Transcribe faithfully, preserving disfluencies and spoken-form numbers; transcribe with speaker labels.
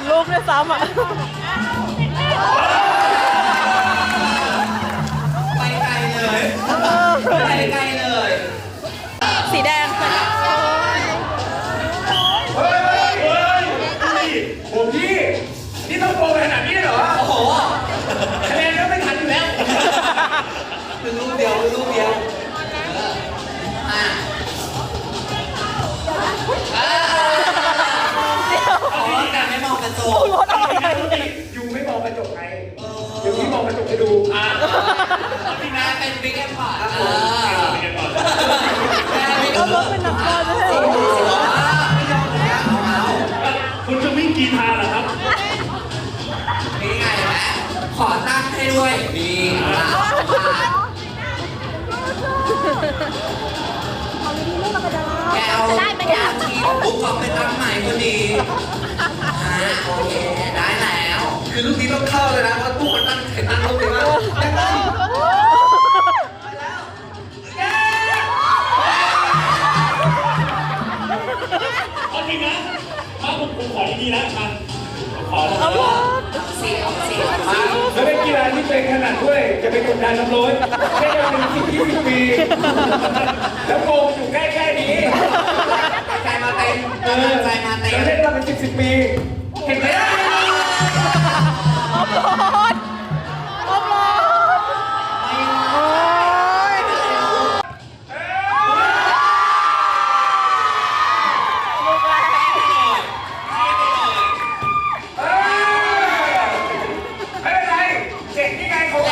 Speaker 1: นรูปด้วยซ้ำอ่ะ
Speaker 2: ไปไกลเลยไปไกลเลย
Speaker 1: สีแดงค่ะ
Speaker 3: เฮ้ยเฮ้ยเฮ้ยโอ้พี่นี่ต้องโกงขนาดนี้เหรอ
Speaker 2: โอ้โห
Speaker 3: คะแนนก็ไม่ทันอยู่แล้ว
Speaker 2: เป็นรูปเดียวเป็นรูปเดียวอ่ะขอการไม่มองกระจก
Speaker 3: ยูไม่มองกระจกไงเดี๋ยวพี่มองกระจกจะดูอ่า
Speaker 2: พี่นาเป็นบิ๊กแอมพอร์ต
Speaker 3: อ่า
Speaker 1: เอารถเป็นนักบอลไม่ใช่
Speaker 3: คุณจะวิ่งกีฬาเหรอครับ
Speaker 2: นี่ไงแม่ขอตั้งให้ด้วยนี่แกเอาทีปุ๊บก็ไปตั้งใหม่พอดีอ่าโอเคได้แล้วคือลูกนี้ต้องเข้าเลยนะเพราะตู้มันตั้งเห็นตั้งรูปนี้ว่ายังไง
Speaker 3: เอาจริงนะถ้าผมผมขอดีๆนะมันขอแล้ว
Speaker 2: เสียวเสียว
Speaker 3: แล้วเป็นกีฬาที่เป็นขนาดด้วยจะเป็นกดดันน้ำร้อนแค่เป็นสิบยี่สิบปีแล้วโกงอยู่ใกล้ๆนี้
Speaker 2: ใจมาเต็มใจมาเต็ม
Speaker 3: แล้วเล่นมาเป็นสิบสิบปีเห็นไหม
Speaker 1: เอาบอล